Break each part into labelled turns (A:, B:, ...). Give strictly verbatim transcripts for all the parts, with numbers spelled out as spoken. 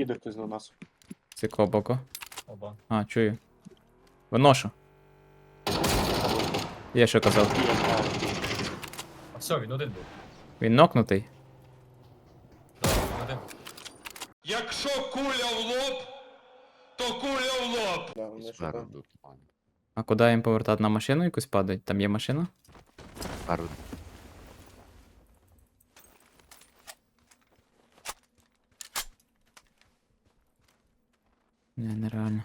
A: їде хтось на нас.
B: З якого боку?
C: Оба.
B: А, чую. Виношу. Я що казав?
A: Є, так.
C: А все, він один був.
B: Він нокнутий.
C: Так, він один.
D: Якщо куля в лоб, то куля в лоб.
A: Да, вони
E: Спереду
A: шукають.
E: тут, пані.
B: А куди їм повертати? На машину якусь падають? Там є машина?
E: Спереду.
B: Ні, нереально.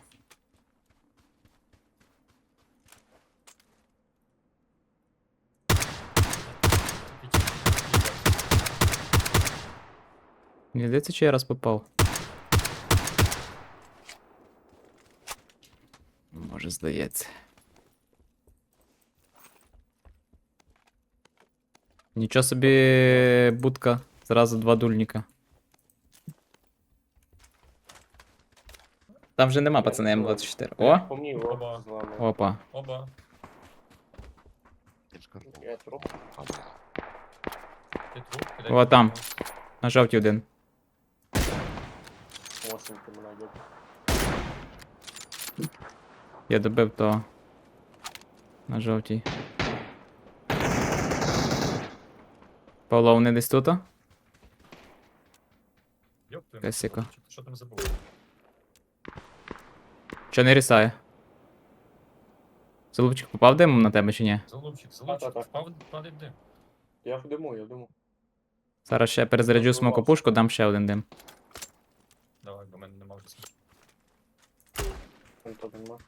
B: Мені здається, чи я раз попав. Може, здається. Нічого собі будка. Зразу два дульника. Там вже нема, пацани, М двадцять чотири. О!
A: По мені
C: Оба.
A: о, з вами.
B: Опа.
C: Оба.
E: Я ж кажу.
A: Я труп.
E: Падає.
C: Ти труп, кидай
B: О, там.
C: труп.
B: На жовті один.
A: Мощненько мене йде.
B: Я добив того. На жовтій. Павло, вони десь тут?
C: Йоп, твою
B: Косяка.
C: мать, Що там забув?
B: Що не рісає? Залупчик попав димом на тебе чи ні?
C: Залупчик, залупчик,
A: Так-так-так.
C: впав, падає дим.
A: Я в диму, я в диму.
B: Зараз ще перезаряджу смокопушку, дам ще один дим.
C: Давай, бо в мене нема вже смаку.
A: Там то нема.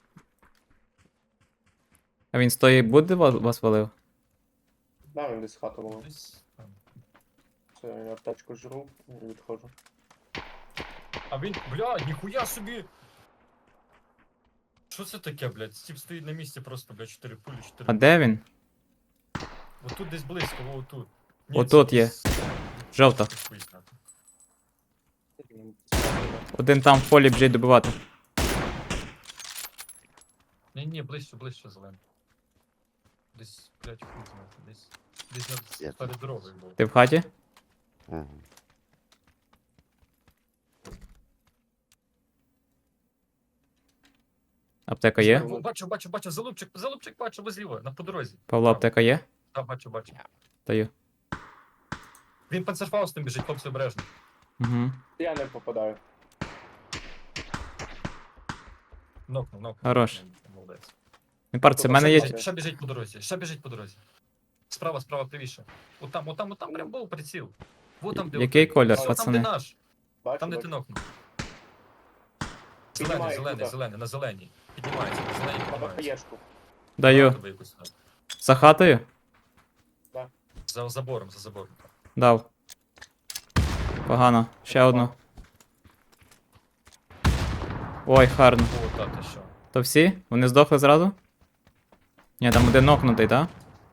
B: А він з тої буде ва- вас валив?
A: Да, він десь хату мав.
C: Десь там.
A: Це я аптечку жру і відходжу.
C: А він, бля, ніхуя собі! Що це таке, блядь? Стіп стоїть на місці просто, блядь, чотири пулі, чотири.
B: А де він?
C: Отут десь близько, во отут.
B: Отут є. Жовта. Один там в полі біжить добивати.
C: Ні, ні, ближче, ближче зелений. Десь, блядь, хуй знати, десь. Десь
E: Я
C: над перед дорогою був.
B: Ти в хаті?
E: Угу.
B: Аптека є?
C: Во, Бачу, бачу, бачу, залупчик, залупчик бачу, ви зліва, на по дорозі.
B: Павло, аптека є?
C: Так, бачу, бачу.
B: Даю.
C: Він панцерфаустом біжить, хлопці обережно.
B: Угу.
A: Я не попадаю.
C: Нокнув, нокнув.
B: Хорош.
C: Молодець.
B: Не парться, в мене є.
C: Ще, ще біжить по дорозі, ще біжить по дорозі. Справа, справа, правіше. Отам, отам, отам прям був приціл. Вот там, де
B: Який
C: отам.
B: колір,
C: Там,
B: пацани?
C: де наш.
A: Бачу,
C: Там, де ти
A: бачу.
C: нокнув. Зелений,
A: Піднімаю
C: зелений,
A: туди.
C: зелений, на зеленій. Піднімається, на зеленій
A: На
C: піднімається.
A: БПЄшку.
B: Даю.
C: Тобі якусь надо.
B: За хатою?
C: За забором, за забором.
B: Дав. Погано. Ще одну. Ой, гарно.
C: О, та ти що.
B: То всі? Вони здохли зразу? Ні, там один нокнутий, так?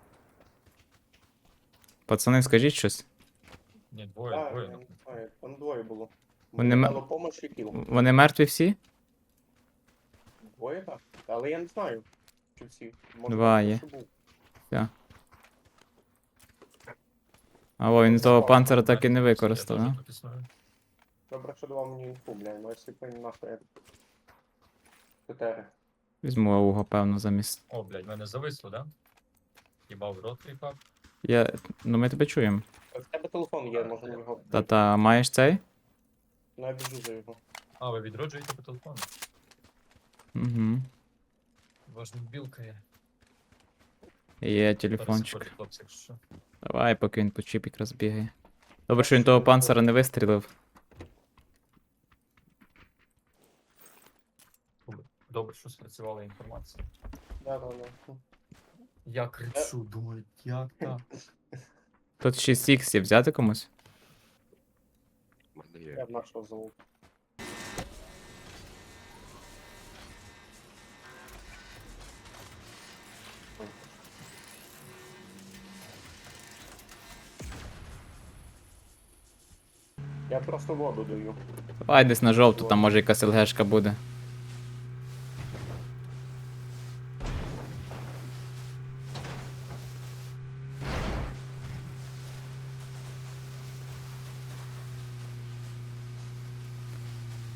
B: Пацани, скажіть щось.
C: Ні, двоє,
A: Так,
C: двоє.
A: я не
C: нокнув.
A: знаю, там двоє було.
B: Вони
A: Мені
B: ме-
A: дало помощь і кіл.
B: Вони мертві всі?
A: Двоє так. Але я не знаю, чи всі. Може,
B: Два
A: хтось
B: є.
A: ще був.
B: А о, він того панцира так і не
C: Я
B: використав,
C: теж
B: а?
C: тут існую.
A: Добре, що давав мені інфу, бля, ну якщо б він нахуй. Чотири.
B: Візьму ауго, певно, замість.
C: О, блядь, мене зависло, да? Їбав рот припав.
B: Я. Ну ми тебе чуємо.
A: В тебе телефон є, може на нього.
B: Та-та, маєш цей?
A: Ну, я біжу за його.
C: А, ви відроджуєте по телефону?
B: Угу.
C: Важна білка є.
B: Є
C: Зараз
B: телефончик.
C: заходять хлопці, якщо що.
B: Давай, поки він по чіп якраз бігає. Добре, що він того панцира не вистрілив.
C: Добре, що спрацювала інформація.
A: Да, да, да.
C: Я кричу, думаю, як так?
B: Тут шість ікс є, взяти комусь?
E: У мене
A: Я
E: є.
A: б нашого залу. Я просто воду даю.
B: Давай десь на жовту, там може якась ЛГшка буде.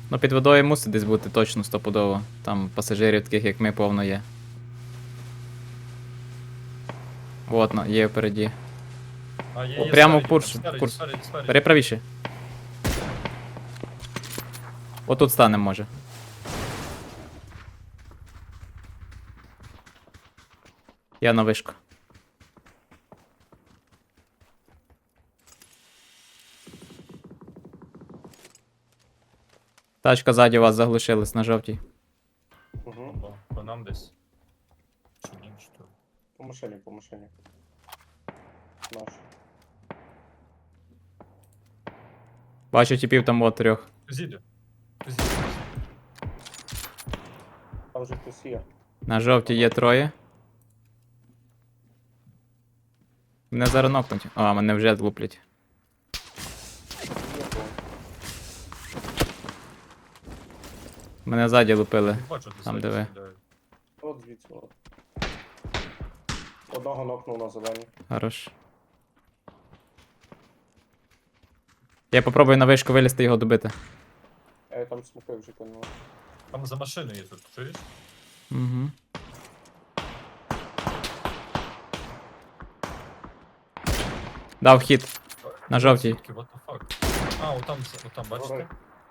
B: Ну під водою мусить десь бути точно стопудово. Там пасажирів таких, як ми, повно є. Вот, ну, є впереді.
C: А, є,
B: О,
C: є
B: прямо
C: спереді,
B: в курс,
C: там, спереді,
B: курс.
C: спереді, спереді.
B: Бери правіше. Отут станем, може. Я на вишку. Тачка ззаді вас заглушилась на жовтій.
A: Угу.
C: Опа, по нам десь. Чи ні, чи то.
A: По машині, по машині. Наш.
B: Бачу типів там от трьох.
C: Зіде. Зіде.
A: Там вже хтось є.
B: На жовтій є троє. Мене зараз нокнуть. А, мене вже луплять.
A: Є, бо
B: Мене ззаді лупили.
C: Бачу, де
B: Там,
C: ззаді
B: де ви.
C: стріляють.
A: От звідси. От. Одного нокнув на зелені.
B: Хорош. Я попробую на вишку вилізти і його добити.
A: Я там смоки вже кинув.
C: Там за машиною є тут, чуєш?
B: Угу. Дав хід. На жовтій.
C: Звідки? What the fuck? А, отам, отам, бачите?
A: Гори.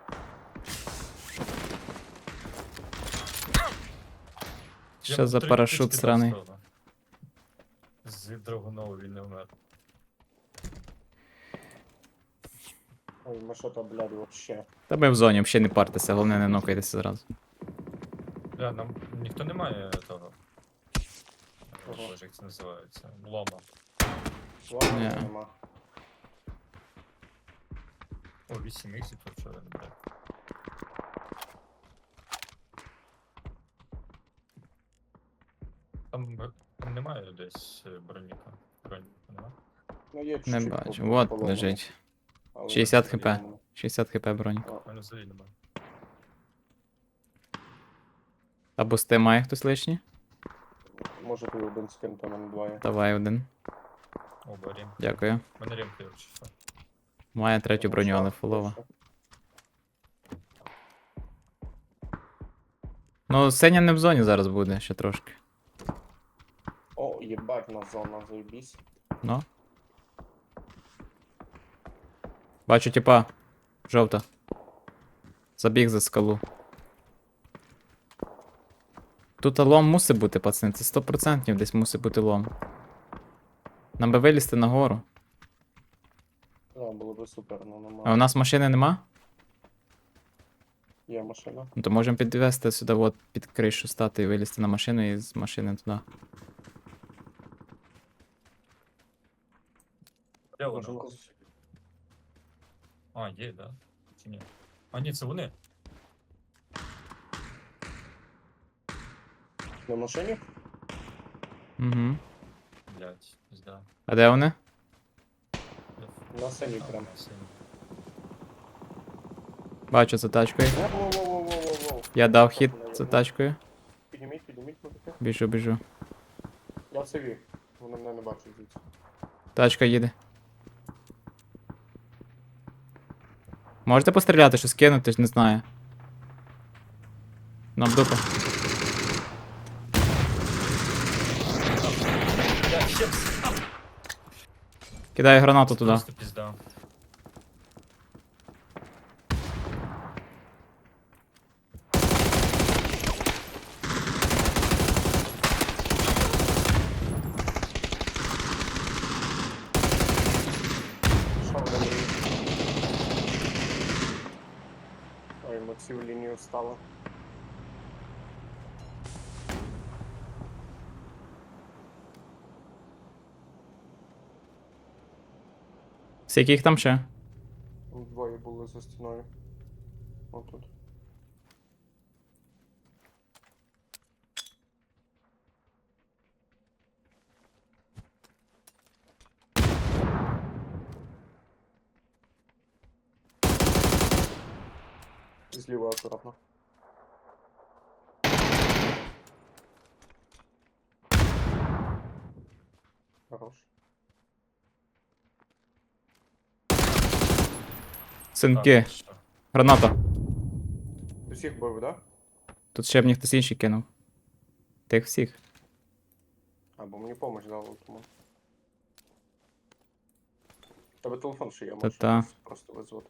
C: Я
B: Що за
C: три
B: парашут
C: птички
B: сраний?
C: достав. З драгунову він не вмер.
A: Ой, ми що там, блядь, вообще.
B: Та ми в зоні, взагалі не партеся, головне не нокайтеся зразу.
C: Бля, нам ніхто не має того.
A: Ага.
C: Боже, як це називається? Лома.
A: Ладно,
B: Ні.
A: нема.
C: О, вісім іксів тут вчора не брав. Там, б- там немає десь е, броніка. Броніка, нема?
A: Ну, є
B: Не
A: чуть-чуть
B: бачу.
A: по-
B: Вот
A: поломано,
B: лежить.
A: але
B: шістдесят
A: не
B: хп.
A: поломано.
B: шістдесят хп бронік.
C: У мене взагалі немає.
B: А бусти має хтось лишній?
A: Може ти один скин, то нам двоє.
B: Давай один.
C: О, барім.
B: Дякую.
C: У мене ремки, якщо що.
B: Має третю броню, але фулова. Ну, Сеня не в зоні зараз буде, ще трошки.
A: О, єбать, на зона, заебісь.
B: Ну. Бачу, типа. Жовта. Забіг за скалу. Тут лом мусить бути, пацани, це сто відсотків десь мусить бути лом. Нам би вилізти нагору.
A: Да, було би супер, ну
B: А у
A: нема.
B: нас машини нема?
A: Є машина.
B: Ну то можемо підвести сюди, от під кришу стати і вилізти на машину і з машини туди.
C: Де
A: Може,
C: воно?
A: нас-
C: А, є, да? Чи ні? А, ні, це вони.
A: На машині?
B: Угу.
C: Блять, пізда.
B: А де вони?
A: На синій
C: А,
A: прям.
C: синій.
B: Бачу за тачкою.
A: Воу-воу-воу-воу-воу.
B: Я дав хід за тачкою.
A: Підніміть, підніміть, мужики.
B: Біжу, біжу.
A: Я в циві. Вони мене не бачать звідси.
B: Тачка їде. Можете постріляти, щось кинути, не знаю. Нам дупа.
C: Я ще пс-
B: Кидаю гранату туди.
C: Просто пізда.
A: Що вони? Ой, ми цю лінію стали.
B: Скільки їх там ще?
A: Там двоє були за стіною. Отут. Зліва акуратно. Хорош.
B: Синки.
C: Так, що?
B: Граната.
A: Усіх бив, да?
B: Тут ще б мені хтось інший кинув. Тих всіх.
A: Або мені помощь дали, тому. Тебе телефон ще є, можеш
B: Та-та.
A: просто визвати.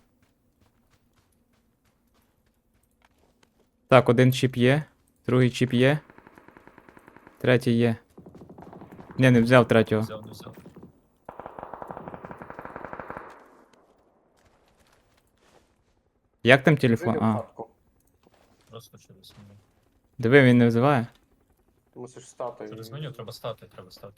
B: Так, один чіп є, другий чіп є. Третій є. Ні, не взяв третього.
C: Взяв, не взяв.
B: Як там телефон?
A: Вийди в
B: А,
A: хатку.
C: Просто через меню.
B: диви, він не взиває.
A: Ти мусиш стати.
C: Через
A: і-
C: меню треба стати, треба стати.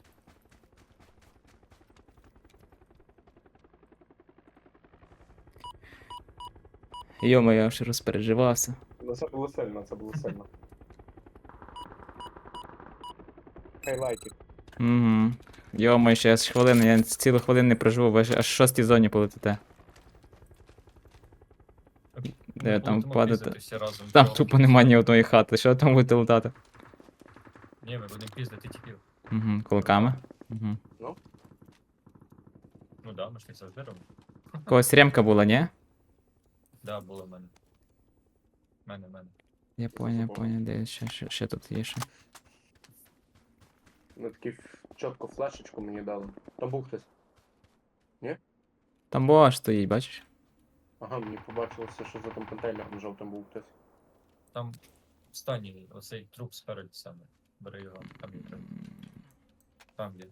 B: Йо-моє, я аж розпереживався.
A: Ну це було сильно, це було сильно. Хайлайтик.
B: Угу. Йо-моє, ще аж хвилину, я цілу хвилину не проживу, ви аж аж в шостій зоні полетите. Де
C: Ми
B: там
C: будемо
B: падати?
C: піздити всі разом.
B: Там
C: Чого?
B: тупо нема ні одної хати, що там будете летати?
C: Ні, ми будемо піздити тіпів.
B: Угу, кулаками. Угу.
C: Ну да, ми ж їх завжди робимо.
B: Когось ремка була, ні?
C: Да, було в мене. В Мене, в мене.
B: Я понял, я понял, де ще, ще, ще тут є ще.
A: Ну такі ф- чітко флешечку мені дали. Там був хтось.
B: Там боа стоїть, бачиш?
A: Ага, мені побачилося, що за тим контейнером жовтим був хтось.
C: Там останній, оцей труп спереді саме. Бери його, там є треба. Там є.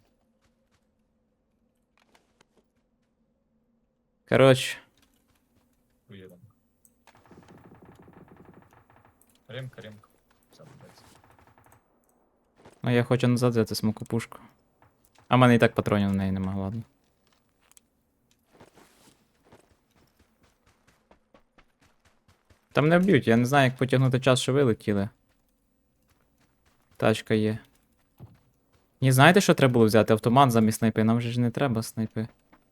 B: Коротше,
C: Уїдемо. Ремка, ремка. Саме дається.
B: ну я хочу назад взяти смокопушку. А в мене і так патронів на неї нема, ладно. Там не вб'ють, я не знаю, як потягнути час, що вилетіли. Тачка є. Ні, знаєте, що треба було взяти? Автомат замість снайпи. Нам же ж не треба снайпи.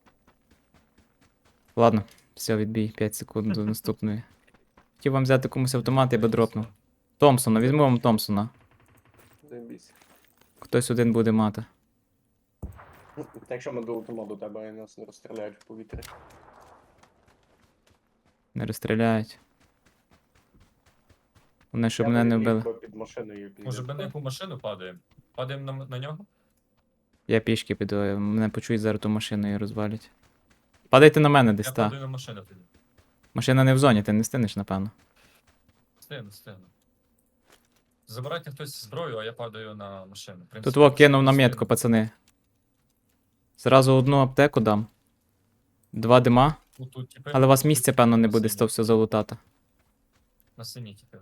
B: Ладно, все, відбій, п'ять секунд до наступної. Хотів вам взяти комусь автомат, я би дропнув. Томпсона, візьму вам Томпсона.
A: Заєбісь.
B: Хтось один буде мати.
A: Ну, та якщо ми долетимо до тебе і нас не розстріляють в повітрі.
B: Не розстріляють. Вони, щоб
A: Я
B: мене не
A: би
B: вбили.
A: ліг би під машиною. під-
C: Може ми на яку машину падаємо? Падаємо на, на нього?
B: Я пішки піду, мене почують зараз ту машину і розвалять. Падайте на мене десь,
C: Я
B: та.
C: падаю на машину тоді.
B: Машина не в зоні, ти не стинеш, напевно.
C: Стигну, стигну. Забирайте хтось зброю, а я падаю на машину. В принципі,
B: Тут во кинув на
C: встигну.
B: метку, пацани. Зразу одну аптеку дам. Два дима.
C: Тут, тут, типи,
B: Але у вас
C: тут,
B: місця,
C: типи,
B: певно, не
C: на
B: буде з
C: синій.
B: того все залутати.
C: На синій, типу.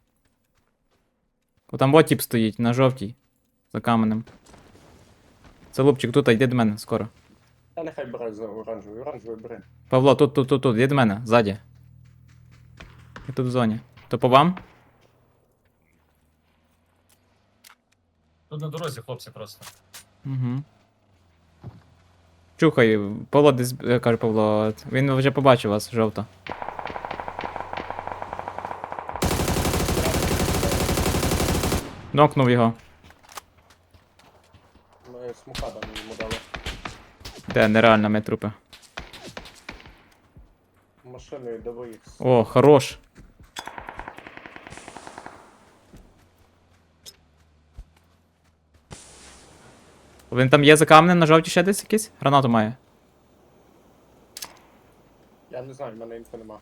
B: О, там вот тип стоїть, на жовтій. За каменем. Це лупчик, тут, йди до мене, скоро.
A: Та нехай бере за оранжевий, оранжевий бери.
B: Павло, тут, тут, тут, тут, йди до мене, ззаді. Я тут в зоні. То по вам?
C: Тут на дорозі, хлопці, просто.
B: Угу. Чухай, Павло десь, е, каже Павло, він вже побачив вас, жовто. Нокнув його.
A: Ми смукадами йому дали.
B: Де, нереально, ми трупи.
A: Машиною дави їх.
B: О, хорош. Він там є за камнем на жовті ще десь якийсь? Гранату має.
A: Я не знаю, в мене інфи нема.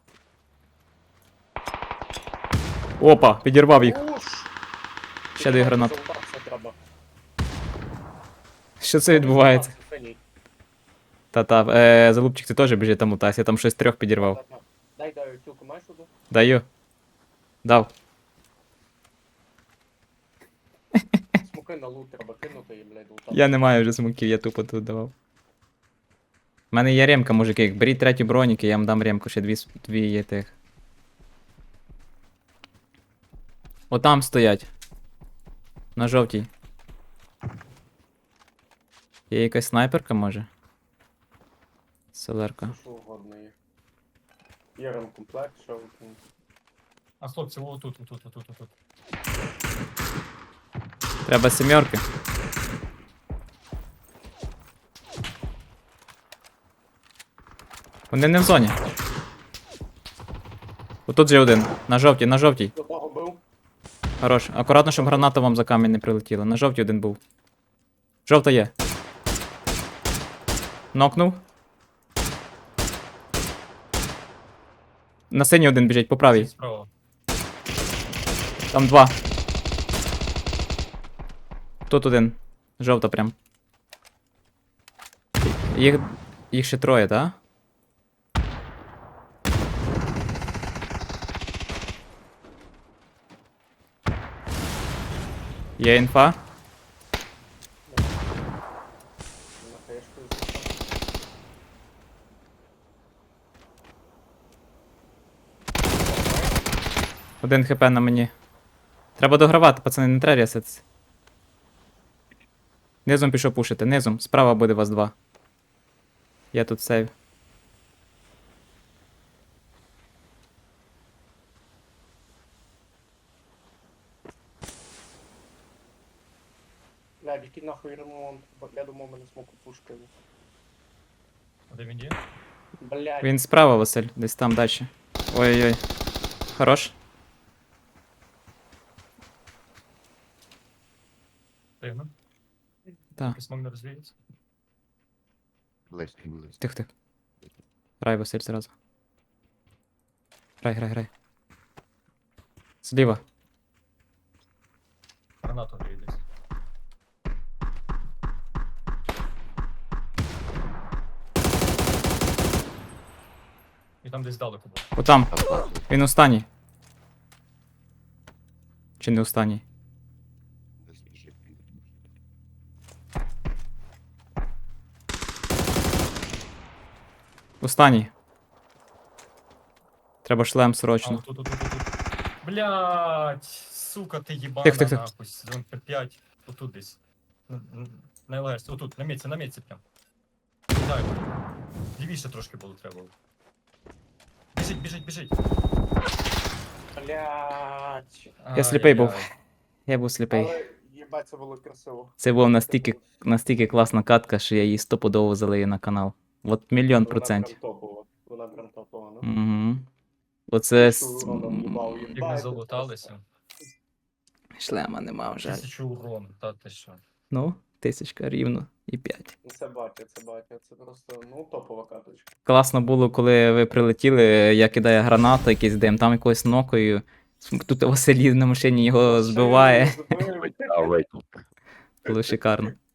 B: Опа, підірвав їх.
A: Уш!
B: Ще дві гранати.
A: Залутатися треба.
B: Що це відбувається?
A: Синій.
B: Та-та, е, залупчик, ти теж біжи там лутайся, я там щось трьох підірвав.
A: Та-та. Дай, дай, тілку маєш туди?
B: Даю. Дав.
A: Смуки на лут треба кинути і, блядь, лутати.
B: Я не маю вже смоків, я тупо тут давав. У мене є ремка, мужики. Беріть третю броніки, я вам дам ремку, ще дві, с- дві є тих. Отам стоять. На жовтій. Є якась снайперка, може? Селерка.
A: Що угодно є. Є ремкомплект, що ви-
C: А хлопці, о, тут, тут, тут, тут, тут.
B: Треба сімерки. Вони не в зоні. Отут же один. На жовтій, на жовтій.
A: До того бив.
B: Хорош. Акуратно, щоб граната вам за камінь не прилетіла. На жовтій один був. Жовта є. Нокнув. На синій один біжить, по правій.
C: Справа.
B: Там два. Тут один. Жовта прям. Їх, їх ще троє, так? Є інфа.
A: На хаєшку зійшов.
B: Один хп на мені. Треба догравати, пацани, не треба реситися. Низом пішов пушити, низом. Справа буде вас два. Я тут сейв.
A: Блядь, який нахуй ремонт. Бо я думав, мене смоку пушкою.
C: Де він є?
A: Блядь.
B: Він справа, Василь, десь там далі. Ой-ой-ой. Хорош.
C: Пригну.
B: Так.
C: Смог не розвіється.
E: Близько, близько.
B: Тих, тих. Грай, Василь, зразу. Грай, грай, грай. Зліва.
C: Гранату гріє десь. І там десь далеко був.
B: Отам.
E: Там класно.
B: Він останній. Чи не останній?
E: Не знаю.
B: Останній. Треба шлем
C: А,
B: срочно.
C: отут, тут, тут, тут. Блять, сука, ти їбана
B: Тих, тих, тих.
C: нахуй. Сезон П п'ять. Отут десь. Н- н- На ЛРС, отут, на місці, на місці прям. Кидаю. Лівіше трошки було треба. було. Біжить, біжить, біжить.
A: Блядь.
B: Я сліпий був.
C: Ай-яй-яй.
B: Я був сліпий.
A: Але їбать, це було красиво.
B: Це була настільки, настільки класна катка, що я її стопудово залию на канал. От мільйон процентів.
A: Вона прям топова. Вона прям топова, ну.
B: Угу. Оце
A: Що
B: с-
A: уроном їбав,
C: Як ми
A: їбать,
C: залуталися.
B: шлема нема, жаль.
C: Тисячу урон, та ти що.
B: Ну, тисячка рівно і п'ять.
A: Ну, це батя, це батя, це просто, ну, топова каточка.
B: Класно було, коли ви прилетіли, я кидаю гранату, якийсь дим, там якоюсь нокою. Тут Василій на машині його збиває.
A: Збив.
E: А, wait.
B: Було шикарно.